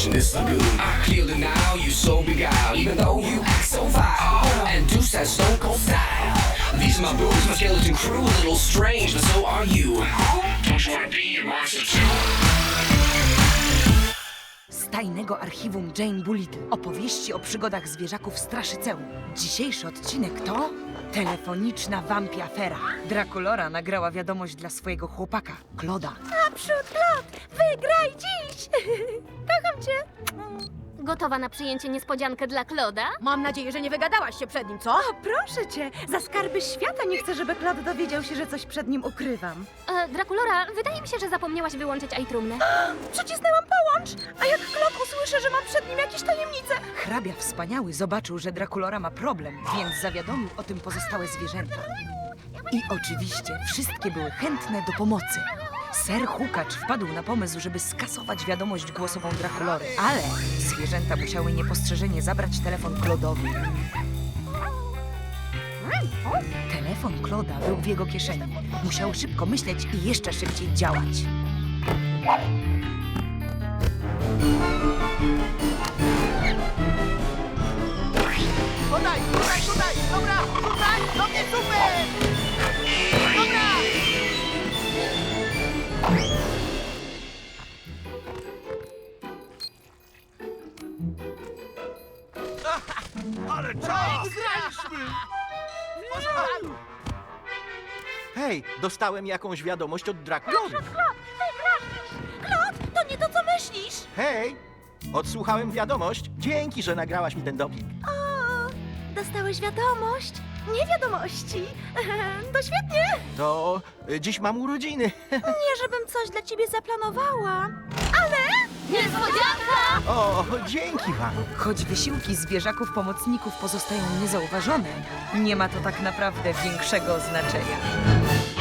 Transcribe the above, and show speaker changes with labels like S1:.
S1: situation this lagoon. I clear the now, you so beguiled, even though you act so vile and do that stone cold style. These are my boobs, my skeleton crew, a little strange, but so are you. Don't you wanna be a monster too?
S2: Z tajnego archiwum Jane Bullitt. Opowieści o przygodach zwierzaków Straszyceum. Dzisiejszy odcinek to telefoniczna wampiafera. Draculora nagrała wiadomość dla swojego chłopaka, Claude'a.
S3: Naprzód, Claude! Wygraj dziś! Kocham cię!
S4: Gotowa na przyjęcie niespodziankę dla Claude'a?
S3: Mam nadzieję, że nie wygadałaś się przed nim, co?
S5: O, proszę cię, za skarby świata nie chcę, żeby Claude dowiedział się, że coś przed nim ukrywam.
S4: Draculora, wydaje mi się, że zapomniałaś wyłączyć iTrumnę.
S5: Przycisnęłam połącz, a jak Claude usłyszy, że mam przed nim jakieś tajemnice...
S2: Hrabia Wspaniały zobaczył, że Draculora ma problem, więc zawiadomił o tym pozostałe zwierzęta. I oczywiście wszystkie były chętne do pomocy. Ser Hukacz wpadł na pomysł, żeby skasować wiadomość głosową Draculory, ale zwierzęta musiały niepostrzeżenie zabrać telefon Claude'owi. Telefon Claude'a był w jego kieszeni. Musiał szybko myśleć i jeszcze szybciej działać.
S6: Podaj, tutaj! Dobra, tutaj! Do mnie super! Dobra! Ale czas! Wygraliśmy! W porządku! Hej, dostałem jakąś wiadomość od Draculory.
S3: Claude, to nie to, co myślisz!
S6: Hej, odsłuchałem wiadomość. Dzięki, że nagrałaś mi ten doping.
S3: O, dostałeś wiadomość? Nie wiadomości. To świetnie!
S6: To dziś mam urodziny.
S3: Nie, żebym coś dla ciebie zaplanowała.
S4: Niespodzianka!
S6: O, dzięki wam.
S2: Choć wysiłki zwierzaków pomocników pozostają niezauważone, nie ma to tak naprawdę większego znaczenia.